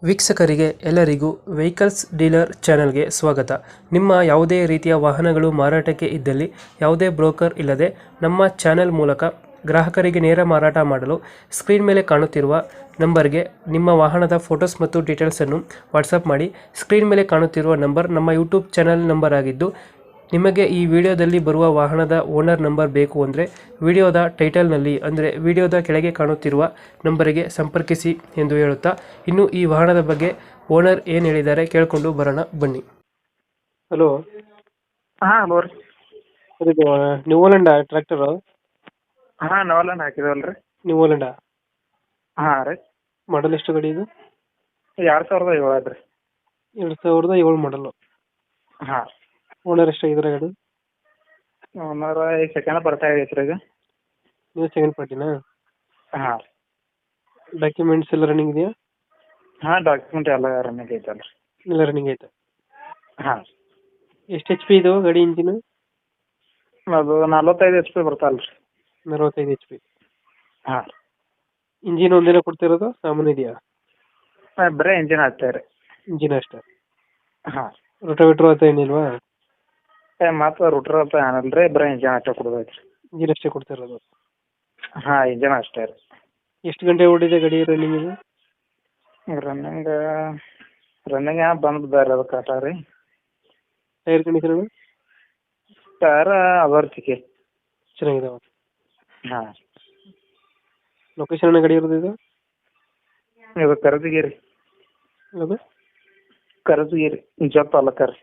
ವೀಕ್ಷಕರಿಗೆ ಎಲ್ಲರಿಗೂ vehicles dealer ಚಾನೆಲ್ಗೆ ಸ್ವಾಗತ. ನಿಮ್ಮ ಯಾವುದೇ ರೀತಿಯ ವಾಹನಗಳು ಮಾರಾಟಕ್ಕೆ ಇದ್ದಲ್ಲಿ ಯಾವುದೇ ಬ್ರೋಕರ್ ಇಲ್ಲದೆ ನಮ್ಮ ಚಾನೆಲ್ ಮೂಲಕ ಗ್ರಾಹಕರಿಗೆ ನೇರ ಮಾರಾಟ ಮಾಡಲು ಸ್ಕ್ರೀನ್ ಮೇಲೆ ಕಾಣುತ್ತಿರುವ ನಂಬರ್ಗೆ ನಿಮ್ಮ ವಾಹನದ ಫೋಟೋಸ್ ಮತ್ತು ಡೀಟೇಲ್ಸನ್ನು ವಾಟ್ಸಪ್ ಮಾಡಿ. ಸ್ಕ್ರೀನ್ ಮೇಲೆ ಕಾಣುತ್ತಿರುವ ನಂಬರ್ ನಮ್ಮ ಯೂಟ್ಯೂಬ್ ಚಾನೆಲ್ ನಂಬರ್ ಆಗಿದ್ದು, ನಿಮಗೆ ಈ ವಿಡಿಯೋದಲ್ಲಿ ಬರುವ ವಾಹನದ ಓನರ್ ನಂಬರ್ ಬೇಕು ಅಂದರೆ ವಿಡಿಯೋದ ಟೈಟಲ್ನಲ್ಲಿ ಅಂದರೆ ವಿಡಿಯೋದ ಕೆಳಗೆ ಕಾಣುತ್ತಿರುವ ನಂಬರಿಗೆ ಸಂಪರ್ಕಿಸಿ ಎಂದು ಹೇಳುತ್ತಾ, ಇನ್ನು ಈ ವಾಹನದ ಬಗ್ಗೆ ಓನರ್ ಏನು ಹೇಳಿದ್ದಾರೆ ಕೇಳಿಕೊಂಡು ಬರೋಣ ಬನ್ನಿ. ಹಲೋ, ಹಾಂ ಹಲೋ ರೀ. ಇದು ನ್ಯೂ ಹೋಲೆಂಡ್ ಟ್ರ್ಯಾಕ್ಟರು? ಹಾಂ ನವಲನ್ ಹಾಕಿದವಲ್ಲ ರೀ. ನ್ಯೂ ಹೋಲೆಂಡ್ ಹಾಂ ರೀ. ಮಾಡಲ್ ಎಷ್ಟು ಗಾಡಿ ಇದು? 2007 ಅದ್ರಿ. 2007 ಮಾಡಲು. ಹಾಂ. ಓನರ್ ಎಷ್ಟಾಗಿದ್ದಾರೆ ಗಾಡಿ? ಓನರ್ ಈಗ ಸೆಕೆಂಡ್ ಬರ್ತಾ ಆಗೈತೆ ರೀ ಈಗ. ನೀವು ಸೆಕೆಂಡ್ ಪಾರ್ಟಿನಾ? ಹಾಂ. ಡಾಕ್ಯುಮೆಂಟ್ಸ್ ಎಲ್ಲ ರನ್ನಿಂಗ್ ಇದೆಯಾ? ಹಾಂ ಡಾಕ್ಯುಮೆಂಟ್ ಎಲ್ಲ ರನ್ನಿಂಗ್ ಐತಲ್ಲ ರೀ. ಎಲ್ಲ ರನ್ನಿಂಗ್ ಐತೆ. ಹಾಂ. ಎಷ್ಟು ಎಚ್ ಪಿ ಇದು ಗಾಡಿ ಇಂಜಿನ್? ಅದು 45 HP ಬರ್ತಾವಲ್ಲ ರೀ. 45 HP. ಹಾಂ. ಇಂಜಿನ್ ಒಂದೇನ ಕೊಡ್ತಿರೋದು, ಸಾಮಾನು ಇದೆಯಾ? ಬರೀ ಇಂಜಿನ್ ಹಾಕ್ತೇವೆ ರೀ. ಇಂಜಿನ್ ಅಷ್ಟೇ? ಹಾಂ. ರೋಟೋವೇಟ್ರ್ ಅಂತ ಏನಿಲ್ವಾ? ಮತ್ತು ರೂಟ್ರ್ ಅಂತ ಏನಲ್ಲ ರೀ, ಬರೀ ಇಂಜಿನ್ ಅಷ್ಟೇ ಕೊಡೋದೈತೆ ರೀ. ಇಂಜಿನ್ ಅಷ್ಟೇ ಕೊಡ್ತಿರೋದು? ಹಾಂ ಇಂಜಿನ್ ಅಷ್ಟೇ ರೀ. ಎಷ್ಟು ಗಂಟೆ ಓಡಿದೆ ಗಾಡಿ ರನ್ನಿಂಗ್ ಇದು? ರನ್ನಿಂಗ್ ಬಂದು ಅದು ಕಟ ರೀ. Tyre condition? ಟೈರ್ ಅದಾವ ರೀ, ಚೆನ್ನಾಗಿದಾವ. ಹಾಂ. ಲೊಕೇಶನ್ ಗಾಡಿ ಇರೋದು ಇದು? ಇದು ಕರದಗಿರಿ. ಅದು ಕರದಗಿರಿ ಜಪ್ ತಾಲೂಕ ರೀ.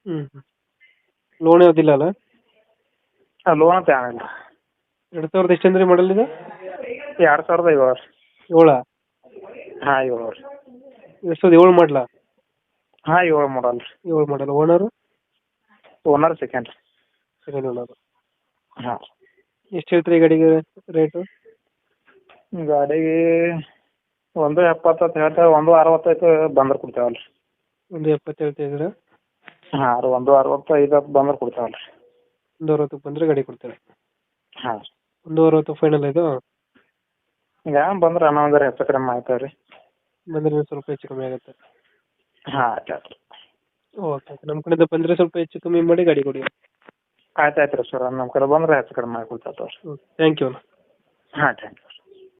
ಲೋನ್ ಯಾವುದಿಲ್ಲ ಅಲ್ಲ? ಲೋನ್ ಅಂತ ಏನಿಲ್ಲ. 2000 ಎಷ್ಟು ಅಂದ್ರೆ ಮಾಡಲ್ ಇದು? 2007 7? ಹಾಂ 7 ರೀ. 2007 ಮಾಡಲ? ಹಾಂ 7 ಮಾಡಲ್ ರೀ. 7 model. Owner? Owner second owner. ಹಾಂ. ಎಷ್ಟು ಹೇಳ್ತೀರಿ ಈ ಗಾಡಿಗೆ ರೇಟು? ಗಾಡಿಗೆ 170 ಹೇಳ್ತೇವೆ, 165 ಬಂದ್ರೆ ಕೊಡ್ತೇವಲ್ಲ ರೀ. 170 ಹೇಳ್ತಾ ಇದ್ದೀರಾ? ಹಾಂ ರೀ, 165 ಬಂದ್ರೆ ಕೊಡ್ತೇವಲ್ಲ ರೀ. 160 ಬಂದರೆ ಗಾಡಿ ಕೊಡ್ತೇವೆ. ಹಾಂ. 160 ಫೈನಲ್ ಇದು? ಈಗ ಬಂದ್ರೆ ಅನ್ನೋ ಹೆಚ್ಚು ಕಡಿಮೆ ಆಯ್ತವೆ ರೀ. ಬಂದರೆ ಸ್ವಲ್ಪ ಹೆಚ್ಚು ಕಮ್ಮಿ ಆಗುತ್ತೆ. ಹಾಂ ಆಯ್ತು. ಓಕೆ, ನಮ್ಮ ಕಡೆಯಿಂದ ಬಂದರೆ ಸ್ವಲ್ಪ ಹೆಚ್ಚು ಕಮ್ಮಿ ಮಾಡಿ ಗಾಡಿ ಕೊಡಿ. ಆಯ್ತು ರೀ ಸರ್, ನಮ್ಮ ಕಡೆ ಬಂದರೆ ಹೆಚ್ಚು ಕಡಿಮೆ ಮಾಡಿ ಕೊಡ್ತೇವೆ. Thank you. ಹಾಂ ಥ್ಯಾಂಕ್ ಯು.